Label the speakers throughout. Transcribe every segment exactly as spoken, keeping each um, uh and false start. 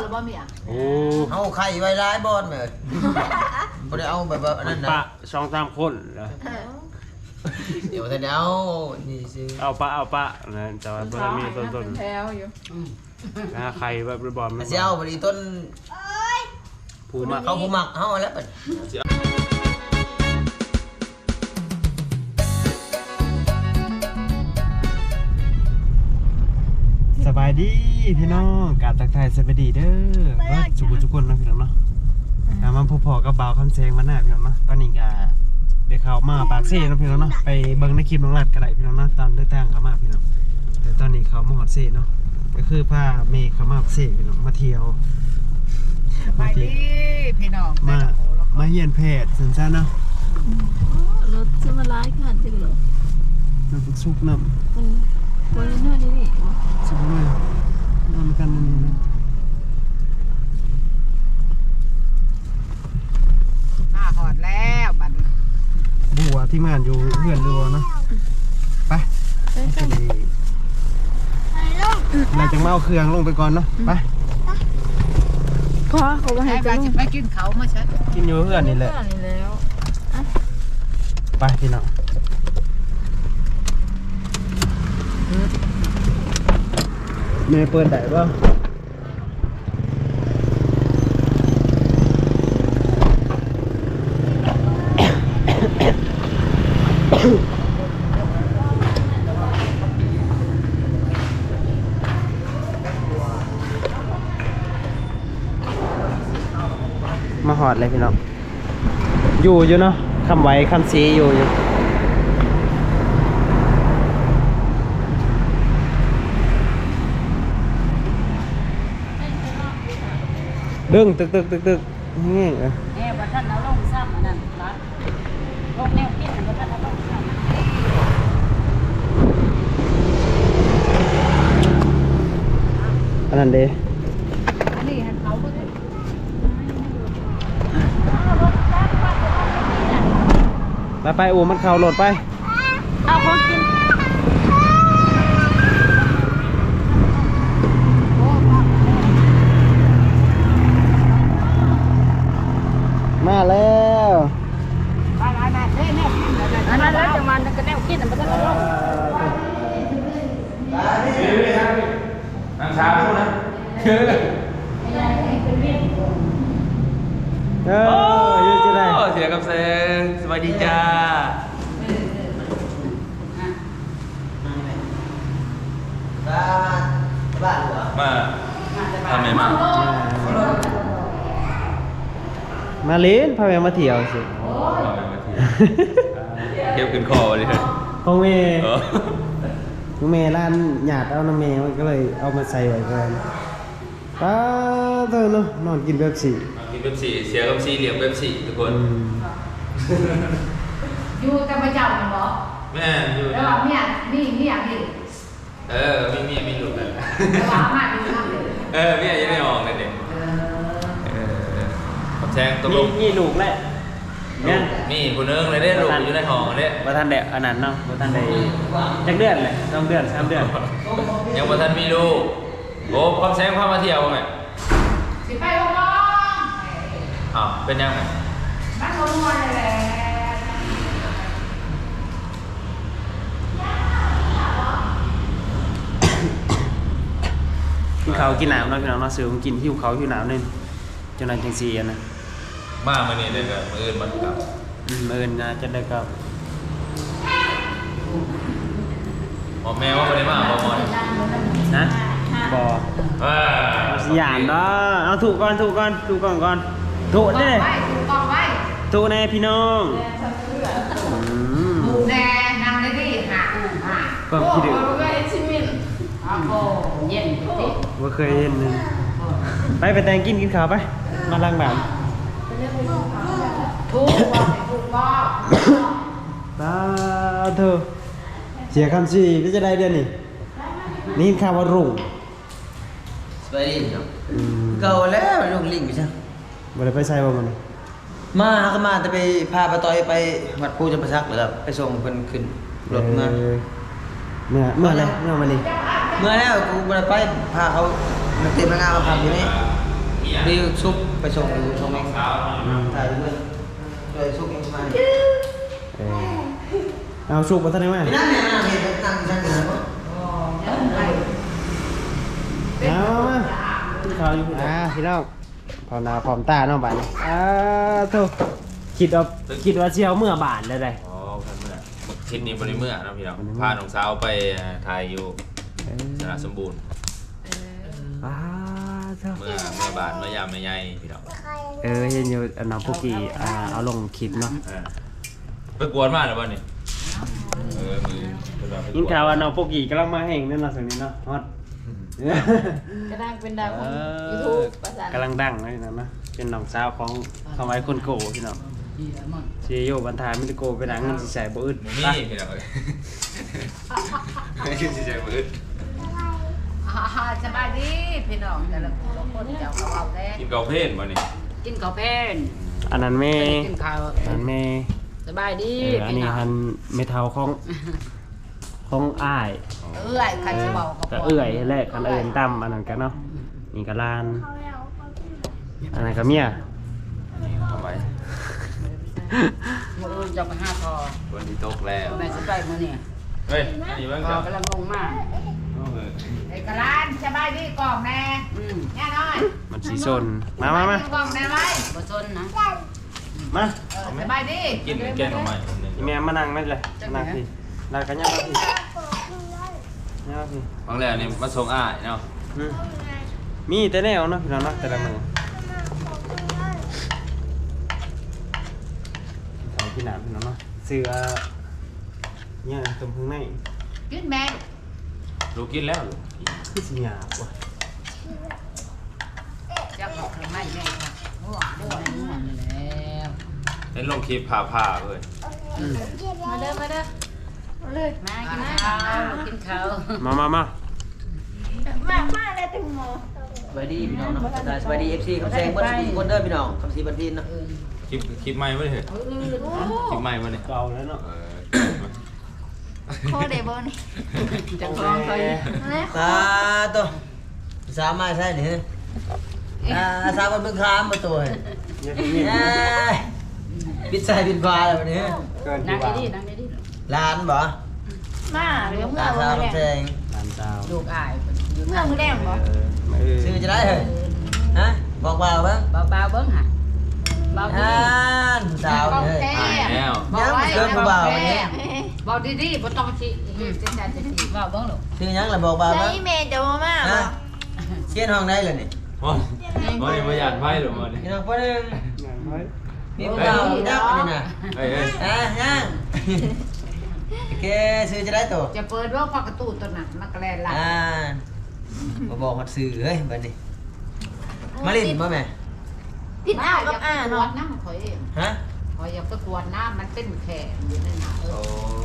Speaker 1: บ่เมีย
Speaker 2: โอ้
Speaker 3: เอาไข่ไว้ร้ายบอลเหมือนบ่ได้เอาแบบว่านั่นนะ
Speaker 2: ปะสองสามคนเหรอ
Speaker 3: เดี๋ยวแต่เดี๋ยวนี่สิ
Speaker 2: เอาปะเอาปะนะแต่ว่าเพื่อนมีต้นต้น
Speaker 1: แถวอยู่
Speaker 2: นะใครแบบบอลมัน
Speaker 3: เจ้าบริต้น
Speaker 2: ผูมัก
Speaker 3: เขาผูมักเขาแล้วเป็น
Speaker 2: สบายดีพี่น้องกาบตักไทยสบายดีเด้อจุกุจุกุนนะพี่น้องเนาะมาพบพอกับบ่าวคำแซงมาหน้าพี่น้องเนาะตอนนี้ก็เดี๋ยวเขามาปากเซ่นะพี่น้องเนาะไปเบิ้งในคลิปน้องรัดก็ได้พี่น้องเนาะตอนเดินทางเขามาพี่น้องแต่ตอนนี้เขามาหอดเซ่เนาะก็คือพาเมย์เขามาเซ่พี่น้องมาเที่ยว
Speaker 1: มาดีพี่น้อง
Speaker 2: มามาเยี่ยนแพทย์สันซ่าเนาะ
Speaker 4: รถจะมาไล่ขนาดจริงเหรอ
Speaker 2: น้ำซุปน้ำ
Speaker 4: วันนี้น่าดีนี่
Speaker 2: ซุปน้ำนอนกันนี่นะ
Speaker 1: มาหอดแล้วบัด
Speaker 2: บัวที่งานอยู่เพื่อนดูเนาะไปจะดีเราจะมาเอาเครื่องลงไปก่อนเนาะไป
Speaker 4: พอเขาไปให้
Speaker 1: ไปไปกินเขาเมื่อเช้า
Speaker 2: กินอยู่เพื่อนนี่แหละ
Speaker 4: แล้ว
Speaker 2: ไปพี่น้องเมย์เปิดได้ป่ะมาหอดเลยพี่น้องอยู่อยู่เนาะคำไว้คำซีอยู่อยู่ดึงตึกตึกตึกตึกนี่เออ
Speaker 1: แอบท่านเอาลงซ้ำอันนั้นรัดลงแนวคิดท่านเอาลงซ้
Speaker 2: ำอันนั้นเด้
Speaker 1: นี่ให้เขาก็ได้
Speaker 2: ไปไปโอ้มันเข่าโหลดไป
Speaker 4: เอาของกิน
Speaker 2: มาแล้ว
Speaker 1: ไปไปไปเฮ้ยแนวคิดอันนั้นแล้วจะมันก็แนวคิดอันนั้นก็ลง
Speaker 2: นั่งช้าพูดนะเออยืดจะได้เสียกับเซนสวัสดีจ้า
Speaker 3: บ้านเหรอ
Speaker 5: มาทำไมมา
Speaker 2: มาเล่นพาแม่มาเที่ยวสิ
Speaker 5: เก็บขึ้นคอเลย
Speaker 2: พ่อแม่พ่อแม่ร้านหยาดเอาน้ำแม่มันก็เลยเอามาใส่ไว้กันป้าเธอเนาะนอนกินเบบสี่
Speaker 5: กินเบบสี่เสียกับสี่เหลี่ยมเบบสี่ทุกคน
Speaker 1: อยู่กับพระเจ้าเหรอ
Speaker 5: แม่อยู่
Speaker 1: แล้วว่าเมียนี่เมียนี่
Speaker 5: เออมีเมียมีลูกกัน
Speaker 1: แล้วว่ามาดูทำเลย
Speaker 5: เออเมียยังไม่ออกเลยเด็กเออผมแทงตกลง
Speaker 2: นี่ลูกแหละ
Speaker 5: นี่คุณเอิงเลยได้ลูกอยู่ในห้องเลย
Speaker 2: ว่าท่านเด็กอันนั้นเนาะว่าท่านเด็กจักเดือนเลยสองเดือนสามเดือน
Speaker 5: ยังว่าท่านมีลูกโอ้ความแซงความมาเที่ยวไหม
Speaker 1: สิไปลงน้อง
Speaker 5: อ้าวเป็นยังไง
Speaker 1: บ้านคนนวลเลยแหละ
Speaker 2: กินข้าวกินน้ำเนาะพี่น้องเนาะซื้อของกินหิวข้าวหิวน้ำนึงจนนั้นจังซี่นะ
Speaker 5: มาเมื่อนี้เลยครับมื่ออื่นมันกลับ
Speaker 2: อืมมื่ออื่นนะจะได้กับ
Speaker 5: หมอแมวว่าไม่ได้มาบอมอน
Speaker 2: นะบอสยามเนาะเอาถูกก่อนถูกก่อนถูกก่อนก่อนถูกเด้ถูกแน่พี่น้อง
Speaker 1: ถูกแน่นางได้ดีหาหา
Speaker 2: ก็คิดดู
Speaker 1: เย็น
Speaker 2: ว่าเคยเห็นนึงไปไปแต่งกินกินข้าวไปมาล้างบ้าน
Speaker 1: ถูกว่าถูกว่า
Speaker 2: ตาเธอเสียคำสี่ก็จะได้เดือนนี่นี่ข่าวว่ารุ่ง
Speaker 3: ไปดิเนาะเก่าแล้วลูกลิงไปซะ
Speaker 2: บ่ได้ไปใส่บ่มัน
Speaker 3: มาก็มาแต่ไปพาป้าต้อยไปวัดปู่จำปาสักเหรอครับไปส่งเพิ่นขึ้นรถมา
Speaker 2: เมื่อเมื่ออะไรเมื่อวันนี้
Speaker 3: เมื่อแล้วกูบ่ได้ไปพาเขาเต็มงานมาพักอยู่นี่ đi xúc phảiส่งอยู่ส่งเองถ่ายเพื่อนเลยซุกเองมา
Speaker 2: เออเอาสุกมาท่านได้ไหม
Speaker 3: ไม่นั่งเนี่ยนั่งเห็นนั่งนั่งอยู่นะ
Speaker 2: เอามาที่เขาอยู่อ่าพี่น้องพร้อมหน้าพร้อมตาเนาะบ้านนี้อ่าโธ่คิดว่าคิดว่าเชียวเมื่อบานเลยได้
Speaker 5: อ๋อพันเมื่อทิศนี้บริเมื่อนะพี่น้องพาน้องสาวไปถ่ายอยู่สระสมบูรณ์
Speaker 2: อ่าโธ่
Speaker 5: เมื่อเมื่อบานเมื่อยามเมื่อใหญ่พี่น้อง
Speaker 2: เออเห็นอยู่อันน้องพวกกี้อ่าเอาลงคลิปเนาะ
Speaker 5: ไปกวนมากเลยบ้านนี่เออมือเป็นแบบไปก
Speaker 2: ยิน
Speaker 5: วน
Speaker 2: ข่าวว่าน้องพวกกี้กำลังมาแห่งนั่นเนาะสิ่งนี้เนาะฮอต
Speaker 4: กระด้างเป็นดาวของ
Speaker 2: เอ
Speaker 4: ยู
Speaker 2: อ
Speaker 4: ทูบภาษาก
Speaker 2: ำลังดังเลยนะนะเป็นน้องสาวของคำไว้คนโกพี่น้องเชียโยบันทายมิตโกเป็นหนังเงินสิใส่บ่อึด
Speaker 5: หมูมี่พี่น้องเลยไม่ขึ้นสิใจมืด
Speaker 1: อ่าสบายดีพี่น้องแต่ละคนเจ้าเขาเอาแต่
Speaker 5: กินเกาเพลนบ้านนี่
Speaker 1: กินข้าวเพน
Speaker 2: อันนั้นแม่
Speaker 1: กินข้าว
Speaker 2: อันนั้นแม่
Speaker 1: สบายดี
Speaker 2: เอออัน
Speaker 1: พี่
Speaker 2: นี้
Speaker 1: น้อง
Speaker 2: หันเมทัลของของอ้าย
Speaker 1: เอื้อยใครจะบอก
Speaker 2: ก็เอื่อยแรกอันเอื่นต่ำอันนั้นกันเนาะนี่ก็ลานอันนั้นก็เมีย
Speaker 5: ทำไม
Speaker 1: มืออื่นจะไปห้าทอ
Speaker 5: วันที่ตกแล้ว
Speaker 1: แม่สบายมือเนี่ย
Speaker 5: เฮ้ยนี่บ้าง
Speaker 1: พ
Speaker 5: จ้ะ
Speaker 1: อกำลังงงมากไอ้กะลานสบายดีกล่องแน่อืมแน่น้อย
Speaker 2: มันสีส้นมามามา
Speaker 1: กล่องแน่ไว้บ่ซนนะ
Speaker 2: มา
Speaker 1: เออสบายดี
Speaker 5: กินแกงของใหม่
Speaker 2: อีแม่มานั่งไม่เลยนั่งพี่นั่งกันยังมาพี่ยังมาพี่
Speaker 5: บางแล้วนี่มาส่งอ้ายเนาะ
Speaker 2: อืมมีแต่แนวเนาะพี่น้องเนาะแต่ละมือใส่ที่หนามพี่น้องเนาะเสือเนี่ยตรงข้างใน
Speaker 1: กินแม่
Speaker 5: ลูกกินแล้วลูก
Speaker 2: คือสิหยาบว่ะ
Speaker 1: จะขอเครื่องไม้แม่ค่ะง่วงง่วงง่วงแล้ว
Speaker 5: เล่นลงคลิปผ่าผ่าๆเลย
Speaker 2: อืม
Speaker 4: มาเด้อมาเด้อมาเลยมา
Speaker 1: กิ
Speaker 4: กิ
Speaker 1: น
Speaker 4: น
Speaker 1: ข้า
Speaker 4: ข้าว
Speaker 1: วกินข้าว
Speaker 2: มามามา
Speaker 4: มามาเลยตึงหมอ
Speaker 3: สวัสดีพี่น้องนะสวัสดีเอฟซีคำแซงเบิ้ลทุกคนเด้อพี่น้องคำซีบันทินนะ
Speaker 5: คลิปคลิปใหม่มาเลย
Speaker 1: เออ
Speaker 5: คลิปใหม่มาเลย
Speaker 2: เก่าแล้วเนาะ
Speaker 5: เออ
Speaker 4: โคเดบนี่
Speaker 1: จะคล้องเขาอยู่
Speaker 3: ตาตัวสามมาใช่ไหมอ่าสามวันเพิ่งคลามมาตัว
Speaker 2: อย่าพี่นี่
Speaker 3: ปิดใส่ปิดฟ้าแล้ววันนี้
Speaker 2: เกิน
Speaker 1: นั่
Speaker 2: ที่
Speaker 1: ง
Speaker 2: ว่า
Speaker 1: ดีๆนั่งดี
Speaker 3: ร้านบ่
Speaker 4: มาเดี๋ยวเมื่
Speaker 3: ตา
Speaker 4: อ
Speaker 3: สาว
Speaker 4: วันแร
Speaker 3: คำแซ
Speaker 4: ก
Speaker 3: ง
Speaker 2: หลานสาว
Speaker 1: ๆลูกอายอยู่
Speaker 4: เมื่อมือแรกบ่
Speaker 2: เออมาเออ
Speaker 3: ซื้อจะได้เหรอฮะบอกเบาบ้าง
Speaker 1: เบาๆเบิ้งค่ะเบาดี
Speaker 3: อ่านสาวเลย
Speaker 5: อ้ายแล้ว
Speaker 1: บอกไว้
Speaker 3: เกินกว่าเบาวันนี้
Speaker 1: บอกดีๆบ่ต้องชี้เส้นใจจะสีเบาเบิ้งลูก
Speaker 3: ซื้อยังล่ะบอกเบา
Speaker 4: ใช้
Speaker 3: บ้าง
Speaker 4: เมย์จะมามา
Speaker 3: ฮะ
Speaker 4: บ่
Speaker 3: เชียนห้องได้เลยนี่
Speaker 5: มอนมอนนี่มาหยาดไพ่หรือมอนนี่
Speaker 3: พี่น้องพ่อหนึ่ง
Speaker 2: งานไว้
Speaker 3: มีเบาดับนี่นะ
Speaker 5: เฮ้ยเฮ้ย
Speaker 3: อ่ะยังโอเคซื้อจะได้ตัว
Speaker 1: จะเปิดว่าพักกระตูตัวนั้นมันกระแลนหลัง
Speaker 3: อ่ามาบอกหดสื่อเฮ้ยบัดนี้มาลินมาแม่
Speaker 4: ติดอ้าวกับอ่า
Speaker 1: ตรว
Speaker 4: เนาะ
Speaker 1: จน้ำข่อยเอง
Speaker 3: ฮะ
Speaker 1: ข่อยอยากไปกวนน้ำมันเป็นแขนอยู่นั่นน่ะเอ
Speaker 3: โอ้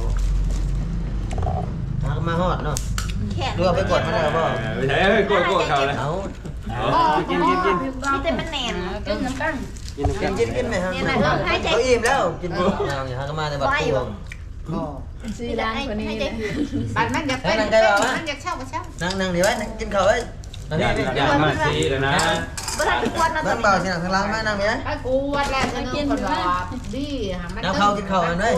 Speaker 1: อ
Speaker 3: ทักมาฮอดเนาะ
Speaker 4: แขน
Speaker 3: ดูเอาไปกดมาแล้วบ่
Speaker 5: ไม่ใช่เฮ้ยกดกดเขาเลย
Speaker 3: เอา
Speaker 2: กินกินกิน
Speaker 4: มีแต่มันแน่น
Speaker 1: กินน้ำกัน
Speaker 2: กิน
Speaker 3: กินกินกินไหมครับ
Speaker 4: เนี่ยนะเออให้ใจ
Speaker 3: เขาอิ่มแล้วกินบ่เอาอย่าทักมาในบัดพวง
Speaker 4: ซื้อร้านคนนี้นะ
Speaker 1: บัดมันอยากเป็น
Speaker 3: นั่งใกล้บ่วะ
Speaker 1: มันอยากเช่าก็เช่า
Speaker 3: นั่งนั่งดีไว้นั่งกินข้าวไว้ตอน
Speaker 5: อ
Speaker 3: นี้
Speaker 5: ยาก
Speaker 3: นี่
Speaker 5: อยากมาซีแล้วนะ
Speaker 4: เวลาทุกวันนะตอ
Speaker 3: นั่
Speaker 4: น
Speaker 3: ง
Speaker 4: นี้
Speaker 3: เบาสินั่งข้างล่างมานั่งนี่นะ
Speaker 1: ไปกวดแล้วจะกินคนรอดีมัน
Speaker 3: เอาเข้ากินข้าวกันด้วย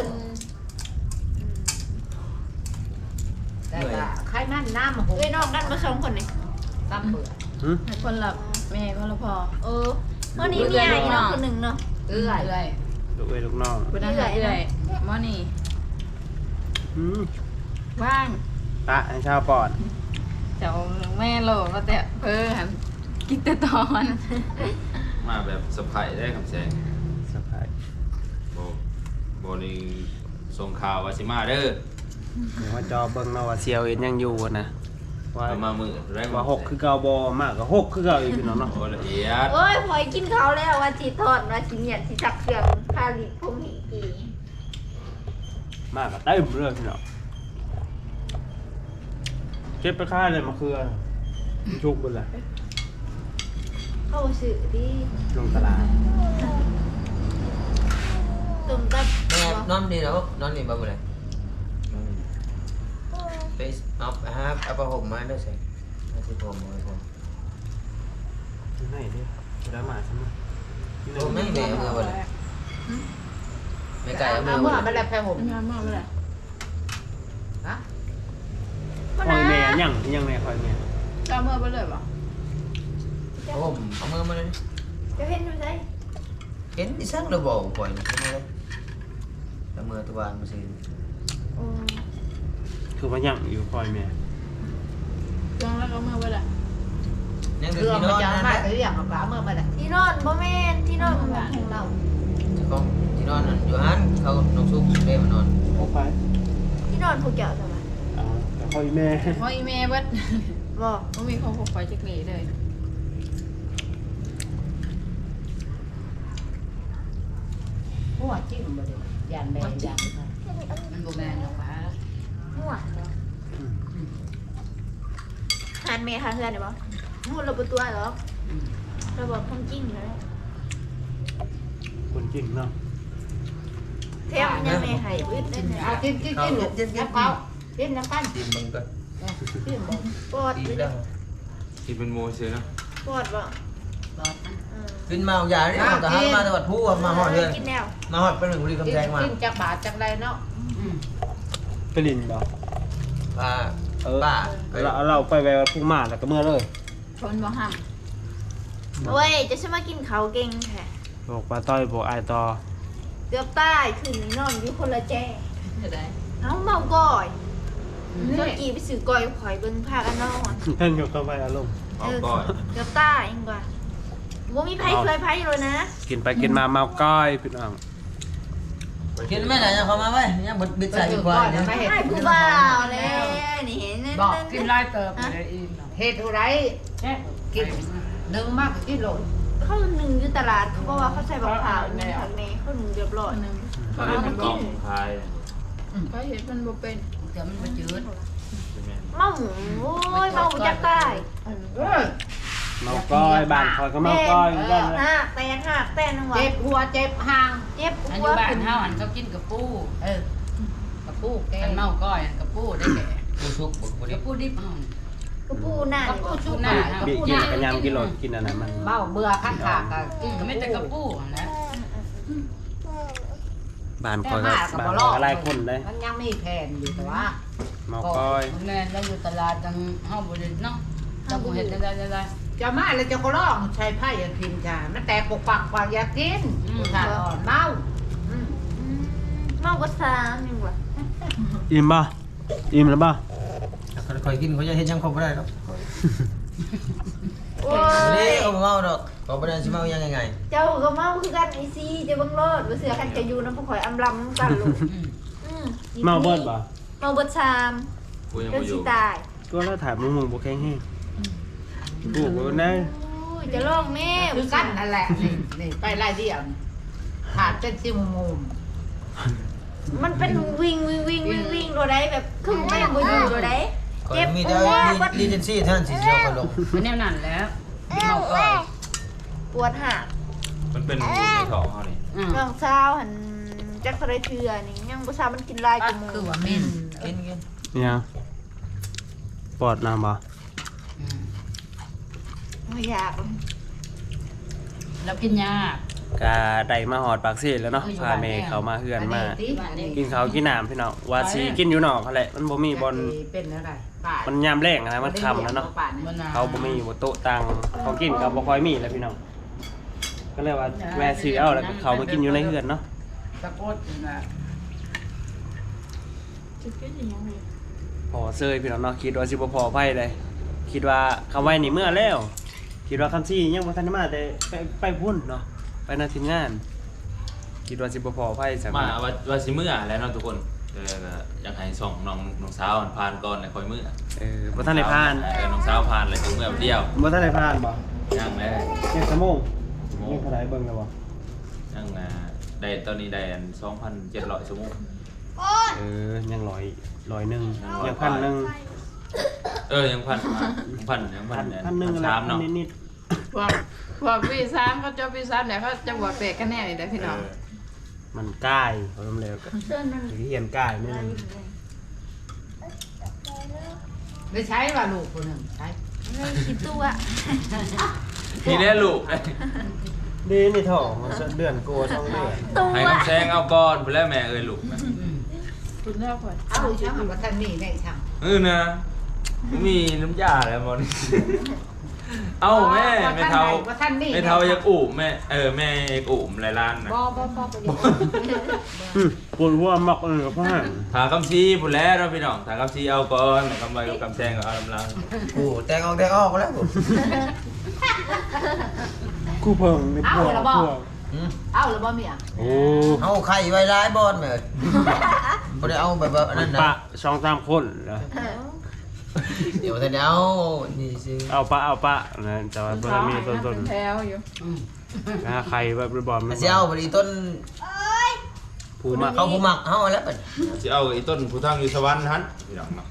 Speaker 1: แต่ก็ใครมันน้ำห
Speaker 4: เอ้ยน้องกันมาสองคนนี่
Speaker 1: ตำเบื่อ
Speaker 2: หืม
Speaker 4: คนละแม่คนละพ่อเออวันนี้มีอะไรน้องคนหนึ่งเนาะ
Speaker 1: เอื้อย
Speaker 2: ลูกเอ้ยลูกน้อง
Speaker 4: คนนั้นเอื่อยมอนี่
Speaker 2: อืม
Speaker 4: ว่าง
Speaker 2: ตะให้ชาวปอด
Speaker 4: เจ้าแม่โลก็แต่เพิ่นกินแต่ตอน
Speaker 5: มาแบบสะพายได้คำแสง
Speaker 2: สบาย
Speaker 5: โบโบนี่ส่งข่าวว่าสิมาเด้อ
Speaker 2: เดี๋ยวว่าจอเบิ่งเนาะว่าเซียวเอ็นยังอยู่นะว่า
Speaker 5: เอามามือแรง
Speaker 2: ว่าหกคือเก่าบ่มากกว่าหกคือเก่าอีกพี่น้องเนาะ
Speaker 5: โอ้ละเอียด
Speaker 4: โอ้ยพอยกินเขาแล้วว่าจีทอดว่าจีเนี่ยจีจักเครื่องพาลิพงหีกี
Speaker 2: มากกว่าเต็มเลยพี่น้องเก็บไปค่ายเลยมะเขือชุกเบนเลย
Speaker 4: เข้าสื่อที่
Speaker 2: ลงตลาด
Speaker 4: ตุ่มกับ
Speaker 3: แม่นอนดีเนาะนอนนี่บ่บ่ได้ไปเอาฮะเอาผ้าห่มมาด้วยสิเอาสิผมเอาผม
Speaker 2: อยู่ไหนดิได้มาใช่ไหม
Speaker 3: โอ้ไม่แม่เอามือบ่เลยไม่ไก่เอามื
Speaker 1: เอา
Speaker 3: อ
Speaker 1: เมื่
Speaker 3: บ่
Speaker 1: อ
Speaker 3: เลย
Speaker 1: มันแล้วแพ้ผม
Speaker 6: งานมากเลย
Speaker 1: ฮะ
Speaker 2: คอยแม่ยังยังแม่คอยแม่
Speaker 6: ก็เมื่อไปเลยป่ะ
Speaker 3: โอ้เอามือมาเลย
Speaker 4: จะเห็นอยู่ไส
Speaker 3: เห็นดิซักระบอกปล่อยนี่ใช่ไหมเลยเอามือตะวันมาสิ
Speaker 4: โอ้
Speaker 2: คือว่ายังอยู่คอยแม่
Speaker 6: จองแล้วก็เมื่อไปเลย
Speaker 3: ยัง
Speaker 1: เค
Speaker 3: คือ
Speaker 1: รื่อง
Speaker 3: ที่น
Speaker 1: มัน
Speaker 3: อน
Speaker 1: จะ
Speaker 3: นั่น
Speaker 1: มา
Speaker 3: แหละ
Speaker 1: ถืออย่างกับเมื่อมาเลย
Speaker 4: ที่นอนบ่แม่นที่นอนของเรา
Speaker 3: เจ้าของที่นอนนั่นอยู่หันเขาน้องซุกเด้มานอน
Speaker 2: ออกไป
Speaker 4: ที่นอนผู้เจ้าทำไม
Speaker 2: เอาแต่คอยแม่
Speaker 6: เพราะอีเมย์เบิด
Speaker 4: บอก
Speaker 6: มันมีของผมไปจากนี้เลย
Speaker 1: หัวจิ้มมาเลยยันแบนยัน
Speaker 6: มันบ่แม่นหรอกป้า
Speaker 4: หัวหันเมย์หาเฮือนได้บ่หัวเราบ่ตัวหรอกเราบอกความจริงเลย
Speaker 2: คนจริงเนาะ
Speaker 4: เทมยังไม่ให้อึดได้เนี่ย
Speaker 1: เอากินกินกินลูกน้ำเขากินน้ำกัน
Speaker 3: ตีนมึงก็
Speaker 1: กินบ่
Speaker 4: ปอด
Speaker 3: ตี
Speaker 4: เลย
Speaker 3: แล้ว
Speaker 5: ที่เป็นโมเชยเนาะ
Speaker 4: ปอดบ่
Speaker 1: บอก
Speaker 4: อืม
Speaker 3: ขึ้นมาเอายาเนี่ยเอาแต่หันมาจังหวัดผู้มาหอดเลย
Speaker 4: กินแล้ว
Speaker 3: มาหอดเป็นหนึ่งบุรี
Speaker 1: กิน
Speaker 3: คำแพงมา
Speaker 1: กินจากบาทจากไรเนาะ
Speaker 2: ไปลินบ่
Speaker 3: ป้า
Speaker 2: เออ
Speaker 3: ป้า
Speaker 2: เราเราไปแววพุ่งมาแล้วก็เมื่อเลย
Speaker 6: ชนบ่ห้าม
Speaker 4: โอ้ยจะฉันมากินเขาวเก่งแท้
Speaker 2: บอกปลาต้อยบอกไอต่อ
Speaker 4: เกือบตายคืนนี้นอนอยู่คนละแจ้
Speaker 6: จะได้
Speaker 4: เอ้าเมาก่อยเมื่อกี้ไปซื้อก่อยข่อยเบิ่งภาคอันนอน
Speaker 2: เพ่นอยู่เข้าไปอารมณ์
Speaker 5: เอาก้อย
Speaker 4: เกือบตายยังกว่าบ่มีไผเคยไผเลยนะ
Speaker 2: กินไปกินมาเมาก้อยพี่น้อง
Speaker 3: กินไม่ไหนยังเขามาไว้ยังบดบิดใส่ดีกว่าเนี่ย
Speaker 1: ไม่เห็น
Speaker 4: ไอ้ผู้บ่าวแล้วนี่เห็น
Speaker 1: บอก
Speaker 6: กินไล่เติบเลยอีก
Speaker 1: เฮ็ดอะไรกินหนึ่งมากกินโหลด
Speaker 4: เขาหนึ่งอยู่ตลาดเขาบอกว่าเขาใส่บักขาวนี่ผักเมย์เขาหนึ่งเรียบร้อย
Speaker 6: นึง
Speaker 5: เขาเล่นเป็นกล่องพาย
Speaker 6: ก็เห็นมันบ่เป็น
Speaker 1: เดี๋ยวมันมาจืด
Speaker 5: ใช่ไหม
Speaker 4: เมาหมูโอ้ยเมาหมูจักตาย
Speaker 1: เออ
Speaker 2: เมาก้อยบ้านคอยก็เมาก้อยเหมือนกันเลย
Speaker 4: หักแตนหักแตนหัว
Speaker 1: เจ็บหัวเจ็บหาง
Speaker 4: เจ็บ
Speaker 6: อัน
Speaker 4: หั
Speaker 6: อ
Speaker 4: ว
Speaker 6: ยู่บ้านเฮาอันเขากินกับปู
Speaker 1: เออกระปุกแก
Speaker 6: กันเมาก้อยอันกับปูได้แก่
Speaker 3: ผู้ชุกบุกบุรี
Speaker 6: กับปูดิบเฮาก
Speaker 4: ระปูหน้าก
Speaker 1: ระปุกชุบ
Speaker 6: หน้า
Speaker 2: บีกินกันยำกินโหลดกินอันนั้นมัน
Speaker 1: เมาเบื่อขั้นขากะกิน
Speaker 6: ก็ไม่แต่กับปูนะ
Speaker 2: บ้านคอยก็บ้านคอยก็ไล่คนเลย
Speaker 1: มันยังมีแผ่นอยู่แต่ว่า
Speaker 2: เมาก้อย
Speaker 6: แม่เราอยู่ตลาดจังเฮาบ่ได้เนาะจังบ่เฮ็ดได้ได้ได้
Speaker 1: จะมาแล้วจะก็ร้องใช้ไพ่ยาพินจ้ามันแตกปกปักปากอยากกินขาดอ่อนเมา
Speaker 4: เมาก็สามยังวะ
Speaker 2: อิ่มป่ะอิ่มแล้วป่ะ
Speaker 3: คอยกินเขาจะเห็นยังครบไม่ได้หรอก
Speaker 4: โอ้
Speaker 3: นี่
Speaker 4: ย
Speaker 3: เขาเมาดอกเขาไม่ได้ชิเมายังไง
Speaker 4: เจ้าก็เมาคือกันไอซีเจ้าเบังรอดว่าเสือกันจะอยู่น้ำผู้ข่อยอำลำกันลูกอืม
Speaker 2: เมาเบิดป่ะ
Speaker 4: เมาเบิดชาม
Speaker 5: กูยัง
Speaker 4: เดิน
Speaker 5: ไม่อ
Speaker 4: สิ
Speaker 5: ยู่
Speaker 4: ตาย
Speaker 2: ก็แล้วถ่ายมึงมึงบุกแข้งให้กูกูนะ
Speaker 4: อุ้ยจะลองแม่
Speaker 1: คือกันนั่นแหละนี่นี่ไปไล่เดียวขาดเป็นซิมมุม
Speaker 4: มันเป็นวิ่งวิ่งวิ่งวิ่งวิ่งตัวใดแบบครึ่งไม่บ่อยู่ตัวใด
Speaker 3: คอย
Speaker 4: เจ็บ
Speaker 3: มี
Speaker 4: ป
Speaker 3: แต่
Speaker 4: วด
Speaker 3: รีเจนซี่ท่านสีเขียวคอยลง
Speaker 6: มันแนวนั้นแล้วเมาก้อย
Speaker 4: ปวดหัก
Speaker 5: มันเป็นในท้องเขานี่
Speaker 6: อืม
Speaker 4: น้องสาวหันจักสะไรเทือนี่ยังบ่ทราบมันกินลายจมูก
Speaker 6: คือว่ามิน
Speaker 3: กินกิน
Speaker 2: เนี่ยปอดน้ำป่ะ
Speaker 4: ไม่อยาก
Speaker 6: เรากินยาก
Speaker 2: าได้มาหอดปากซีแล้วเนาะพาเมย์เขามาเฮือนมา กินเขาวกินน้ำพี่น้องว่าสีกินอยู่นอกเขาแหละมันบ่มีบอล
Speaker 1: เป็นอะไร
Speaker 2: มันยามแรงนะมันคำแล้วเนาะ
Speaker 6: บ่น่า
Speaker 2: เขาบ่มีบ่โต๊ะตังของกินก็บ่ค่อยมีแล้วพี่น้องก็เลยว่าแวะซื้อเอาแล้วก็เขามากินอยู่ในเฮือนเนาะ
Speaker 6: ตะโกดน่ะจะกินยังไง
Speaker 2: พอเซยพี่น้องเนาะคิดว่าสิบ่พอไผเลยคิดว่าคำไว้นี่เมื่อแล้ว คิดว่าคำซี่ยังบ่ทันได้มาแต่ไปไปพุ่นเนาะไปหน้าทีมงาน คิดว่าสิบ่พอไผสัก
Speaker 5: มาว่าว่าสิเมื่อแล้วเนาะทุกคนแต่ก็อยากให้ส่งน้องน้องสาวผ่านก่อนแล้วค่อยเมื่อ
Speaker 2: เออบ่ทันได้ผ่าน
Speaker 5: เออน้องสาวผ่านแล้วจึงเมื่อเดียว
Speaker 2: บ่ทันได้ผ่านบ่
Speaker 5: ยังแล้ว
Speaker 2: เจ็ดชั่วโมงยังเท่าไหร่เบิ่งแล้วบ่
Speaker 5: ยังอ่าได้ตอนนี้ได้อันสองพันเจ็ดร้อยชั่วโมง
Speaker 2: เออยังร้อยร้อยหนึงยังพันหนึง
Speaker 5: เออยังพันมายังพันยังพั
Speaker 2: พั
Speaker 5: น
Speaker 2: น
Speaker 5: เนี่ย
Speaker 2: พันหนึง
Speaker 5: พัน
Speaker 2: แล้ว
Speaker 5: สาม
Speaker 2: พั
Speaker 5: เนาะ
Speaker 2: นนิด
Speaker 6: พวกพวกพี่สามเขาเจ้าพี่สามเนี่ยเขาจะบวกเตะกันแน่นี่ได้พี่น้อง
Speaker 2: ๆมันใกล้เขาทำแล้วก็
Speaker 4: เส้นมัน
Speaker 2: สิเฮียนใกล้นิดนึง
Speaker 1: ได้ใช้ว่าลูกคนหนึ่งใช้
Speaker 4: ไม่คิดตัว
Speaker 5: พี่แน่ลูก
Speaker 2: ดีนี่ท้องเดือนกลัวท้องเดือน
Speaker 4: ตัว
Speaker 5: ให้คำแซงเอาก่อนไปแล้วแม่เอ้ยลูกนะ
Speaker 6: คุณเล่าก่อน
Speaker 1: เอาช่างมาทันนี่ได้ช่าง
Speaker 5: เออนะมีน้ำยาแล้วมอนเอาแม่แม่เทาแม่เทาอยากอุ่มแม่เออแม่อยากอุ่มหลายล้านนะ
Speaker 1: บ่บ่บ่ประโยชน์
Speaker 2: ปวดหัวมักเลยกับพ่อ
Speaker 5: ถาคำซีพูดแล้วเราพี่น้องถาคำซีเอาก่อนคำใบกับคำแซงก็เอาลำลัง
Speaker 3: โอ้แตงออกแตงออกแล้ว
Speaker 2: คู่เพิ่งในพวกพวก
Speaker 1: เอาหรือบ่เมีย
Speaker 2: โอ้
Speaker 3: เอาไข่ไว้ร้ายบอลเหมือนบ่ได้เอาแบบว่านั่นนะ
Speaker 2: ปะสองสามคนเหรอ
Speaker 3: เดี๋ยวแต่เดี๋ยวนี่สิ
Speaker 2: เอาปะเอาปะนะแต่ว่าเพิ่มมีต้นต้น
Speaker 6: แถวอยู่
Speaker 2: นะใครแบบบอล
Speaker 3: เสียวบริต้น
Speaker 2: ผูมา
Speaker 3: เขาผู้หมักเขาแล้วเป็น
Speaker 5: จะเอาไอ้ต้นผู้ทางอยู่สวรรค์ฮันพี่น้องเนาะ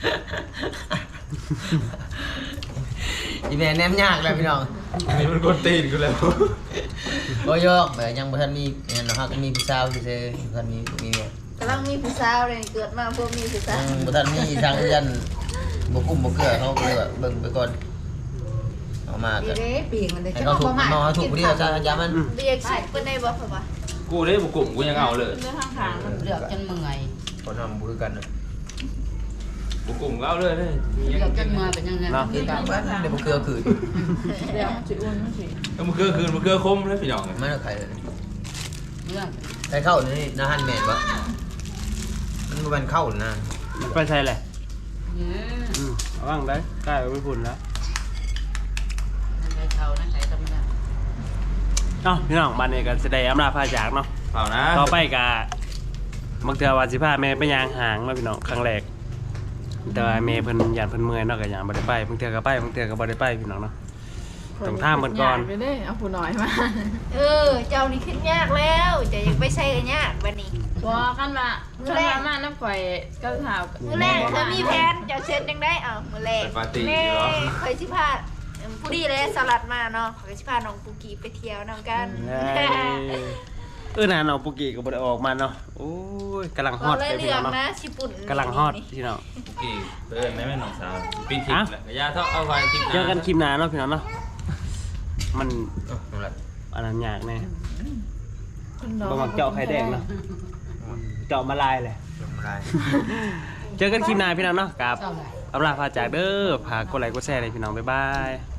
Speaker 3: อีแม่แนมยากเลยพี่น้อง
Speaker 5: นี่มันกดตีนกูแล้ว
Speaker 3: บ่ยอกแบบยังบ่ทันมีเนี่ยเนาะฮะก็มีผู้สาวซื่อๆบ่ทันมีมีเนี่ย
Speaker 4: กำลังมีผู้สาวเลยเกิดมาพวกมีผู้สาว
Speaker 3: ยังบ่ทันมีทางยันบ่กุ้มบ่เกลือเขาก็เลยแบบเบิ่งไปก่อนเอามา
Speaker 1: ดี
Speaker 3: ก็
Speaker 1: เด้ปีงมันเลย
Speaker 3: ให้เขาถูกมันเอาถูกผู้เดียวจ้าอย่ามัน
Speaker 4: เรียกสิเพิ่นได้บ่พ่อวะ
Speaker 5: กูได้บุกกลุ่มกูยังเอาเลย
Speaker 6: เรื่องข้างทางมัน
Speaker 1: เลือกจนเมื่อย
Speaker 3: คนทำบ่คือกันนะ
Speaker 5: บุกกลุ่มก็เอาเลยเลย
Speaker 1: เลือกจนเมื่อยเป็นยังไง
Speaker 3: เนาะคือกันบ้านเดี๋ยวบ่เกลือคืน
Speaker 6: เดี๋ยวมันสิอุ่นมันสิ
Speaker 5: แล้วมันเกลือคืนมันเกลือคมแล้วพี่น้อง
Speaker 3: มันเอาไข่เลย
Speaker 1: เลือก
Speaker 3: ไข่เข้านี่นะฮันแม่นบ่มันบ่แม่นเข้านะ
Speaker 2: ไปใช่แหละ
Speaker 1: เนี่ย
Speaker 2: อืมเอาบ้างได้ใกล้ไม่พุ่นแล้ว
Speaker 1: นั่นไงเท่านั่นไงธรรมดา
Speaker 2: เอ้าพี่น้องบ้านนี้กันแสดงอำลาพาจากเนาะ
Speaker 5: เปล่านะ
Speaker 2: ต่อไปกะบางเทื่อว่าสิพาแม่ไปยางหางเนาะพี่น้องครั้งแรกแต่ว่าแม่เพิ่นย่านเพิ่นเมื่อยเนาะก็ย่างบ่ได้ไปบางเทื่อก็ไปบางเทื่อก็บ่ได้ไปพี่น้องเนาะ ต้องท่ามมันก่อน
Speaker 6: ไปเด้เอาผู้น้อยมา
Speaker 4: เออ เจ้านี่ขึ้นยากแล้วจะยังไปใช้กันยากบัดนี้
Speaker 6: บ่กันว่าคันว่ามาน้ำข่อยก็ถาม
Speaker 4: มื้อแรกเธอมีแผนเจ้าเช็ดจังได้เอ้ามื้อแรก
Speaker 5: เป็นปาร์ตี้
Speaker 4: แม่
Speaker 5: เหรอ
Speaker 4: เคยสิพาเอิ่มผู้ดีเลยสลัดมาเนาะเคยสิพาน้องปูกีไปเที่ยวนำกัน
Speaker 2: เอ้ยเออน่าน้องปุกกี้ก็บ่ได้ออกมาเนาะโอ้ยกำลังฮ
Speaker 4: ก็
Speaker 2: อต
Speaker 4: เลย
Speaker 2: เลย
Speaker 4: เลื
Speaker 2: พี่
Speaker 4: อ
Speaker 2: น้อก งเนาะ
Speaker 4: นะชิปุ่น
Speaker 2: กำลังฮอตพี่น้อง
Speaker 5: กี่เพื่อนแม่แม่น้องสาวปีนทิพย์แหละยาเท่าเอาไว้ทิพย์
Speaker 2: เจอกันคลิปหน้าเนาะพี่น้องเนาะมัน
Speaker 3: เอานั่นแหละ
Speaker 2: อันนั้นยากแน่
Speaker 6: คนน้อย
Speaker 2: บ่มักเจาะไข่แดงเนาะเจาะมาลายเลย
Speaker 3: ลงมาได้
Speaker 2: เจอกันคลิปหน้าพี่น้องเนาะกับ
Speaker 1: เท่าไหร่
Speaker 2: อำลาพาจากเด้อพากดไลค์กดแชร์เลยพี่น้องบ๊ายบาย